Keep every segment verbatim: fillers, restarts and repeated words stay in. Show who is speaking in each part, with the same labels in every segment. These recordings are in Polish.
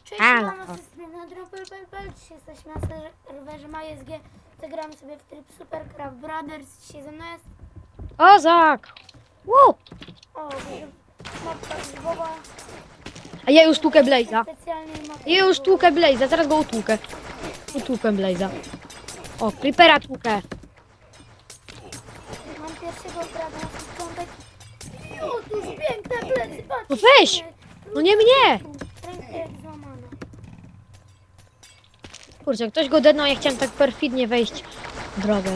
Speaker 1: Cześć,
Speaker 2: Halo.
Speaker 1: mamy system na Dropel.pl. Dzisiaj jesteśmy na serwerze MySG. Zagramy sobie w tryb Supercraft Brothers. Dzisiaj ze mną jest...
Speaker 2: Ozak! Woo!
Speaker 1: O, mapka grzybowa.
Speaker 2: A ja już tłukę Blaze'a.
Speaker 1: Specjalnie mapka
Speaker 2: Ja już
Speaker 1: grzybowa.
Speaker 2: tłukę Blaze'a, zaraz go utłukę. Utłukę Blaze'a. O, Creepera tłukę.
Speaker 1: Mam pierwszego grada na początek. Otóż piękne plecy, patrzcie.
Speaker 2: No weź! No nie mnie!
Speaker 1: Ręka jak złamana.
Speaker 2: Kurczę, ktoś go dednął, ja chciałem tak perfidnie wejść w drogę.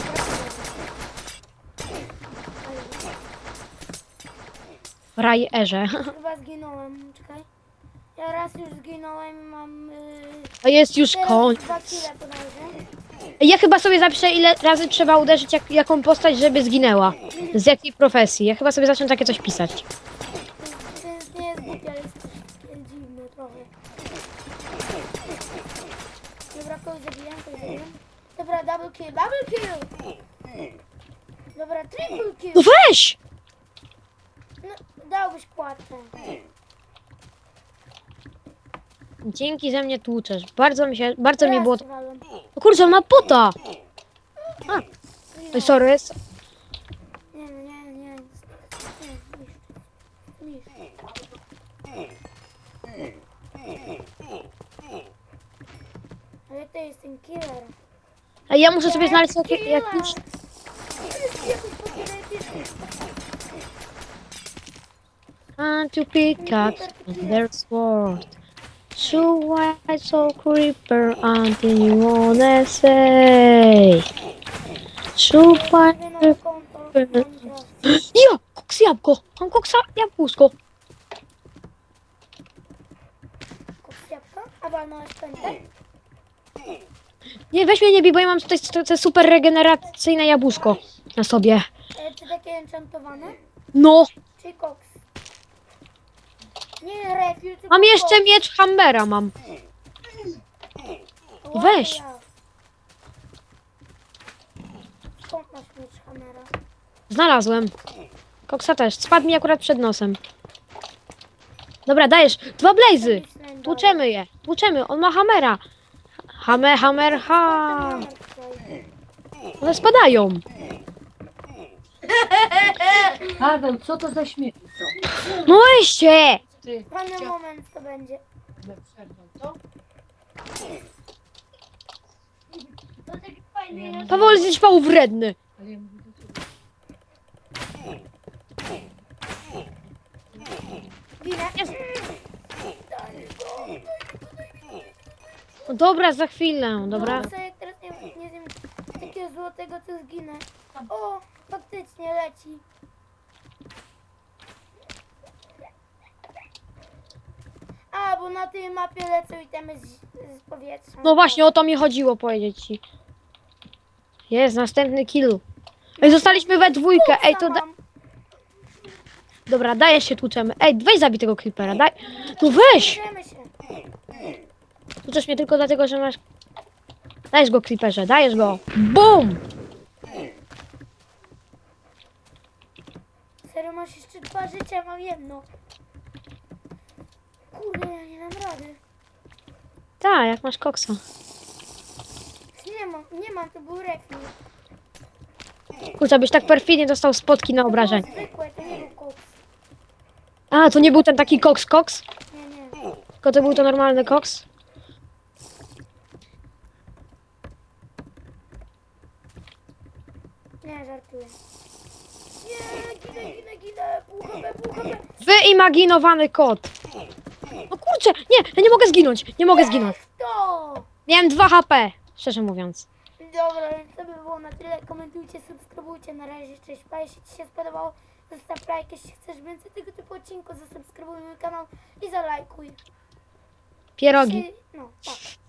Speaker 2: W Rajerze.
Speaker 1: Chyba zginąłem, czekaj. Ja raz już zginąłem, mam... Yy...
Speaker 2: A jest już
Speaker 1: Teraz
Speaker 2: koń.
Speaker 1: dwa kile podejrzę.
Speaker 2: Ja chyba sobie zapiszę, ile razy trzeba uderzyć jak, jaką postać, żeby zginęła. Z jakiej profesji. Ja chyba sobie zacznę takie coś pisać.
Speaker 1: To jest, nie jest głupie, ale jest takie dziwne trochę. Dobra, kogoś zabiłem, kogoś zabiłem. Dobra, double kill, double kill! Dobra, triple kill!
Speaker 2: No weź!
Speaker 1: No, dałbyś kładkę.
Speaker 2: Dzięki, że mnie tłuczesz. Bardzo mi się, bardzo mi
Speaker 1: Raz
Speaker 2: było...
Speaker 1: walłem.
Speaker 2: O kurczę, on ma pota! A, oj, sorry.
Speaker 1: Nie, nie, nie, nie. Nie, niszcz. Ale to jest ten killer.
Speaker 2: A ja muszę sobie znaleźć jakiś... jakiś... And to pick up their sword. So why so creeper until you wanna say? So why... Ja! Koks jabłko! Mam koksa jabłuszko.
Speaker 1: A walnąłeś pętę?
Speaker 2: Nie, weź mnie nie bij, bo ja mam tutaj to, to super regeneracyjne jabłuszko na sobie.
Speaker 1: E, czy takie enchantowane?
Speaker 2: No!
Speaker 1: Czy koks? Nie, refill, tylko
Speaker 2: Mam jeszcze
Speaker 1: koks.
Speaker 2: miecz Hambera mam.
Speaker 1: Ładny
Speaker 2: weź.
Speaker 1: ja. Skąd masz miecz Hammera?
Speaker 2: Znalazłem. Koksa też. Spadł mi akurat przed nosem. Dobra, dajesz. Dwa blazy. Tłuczemy je. Tłuczemy. On ma Hammera. Hammer, hammer, ha. One spadają.
Speaker 3: Paweł, co to za śmiech?
Speaker 2: No weźcie.
Speaker 3: Ty
Speaker 1: Wolny moment to będzie.
Speaker 3: chciałbym przerwał, co?
Speaker 1: To taki fajny jest.
Speaker 2: Paweł jest pał wredny.
Speaker 3: Ale ja mówię do ciebie.
Speaker 1: Ginę.
Speaker 2: No dobra, za chwilę. Dobra.
Speaker 1: No, co jak teraz nie, nie wiem, takiego złotego to zginę. O, faktycznie leci. A, bo na tej mapie lecą itemy z, z powietrza.
Speaker 2: No właśnie, o to mi chodziło powiedzieć ci. Jest, następny kill. Ej, zostaliśmy we dwójkę. Ej, to da...
Speaker 1: Mam.
Speaker 2: Dobra, dajesz się, tłuczemy. Ej, weź zabij tego creepera, daj. No weź!
Speaker 1: Bierzemy się.
Speaker 2: Tłuczesz mnie tylko dlatego, że masz... Dajesz go, creeperze, dajesz go. BUM!
Speaker 1: Serio, masz jeszcze dwa życia, mam jedno. Kurde, ja nie dam rady.
Speaker 2: Tak, jak masz koksa.
Speaker 1: Nie mam, nie mam, to był refil.
Speaker 2: Kurczę, byś tak perfidnie dostał spotki na obrażenie.
Speaker 1: To było zwykłe, to nie był koks.
Speaker 2: A, to nie był ten taki koks koks?
Speaker 1: Nie, nie.
Speaker 2: Tylko to był to normalny koks?
Speaker 1: Nie, żartuję. Nie, ginę, ginę, ginę. Pół H P, pół H P.
Speaker 2: Wyimaginowany kot. No kurczę, nie, ja nie mogę zginąć, nie mogę zginąć.
Speaker 1: To!
Speaker 2: Miałem dwa H P, szczerze mówiąc.
Speaker 1: Dobra, więc to by było na tyle. Komentujcie, subskrybujcie. Na razie, cześć. Pa, jeśli Ci się spodobało, zostaw like. Jeśli chcesz więcej tego typu odcinków, zasubskrybuj mój kanał i zalajkuj.
Speaker 2: Pierogi.
Speaker 1: Jeśli- No, tak.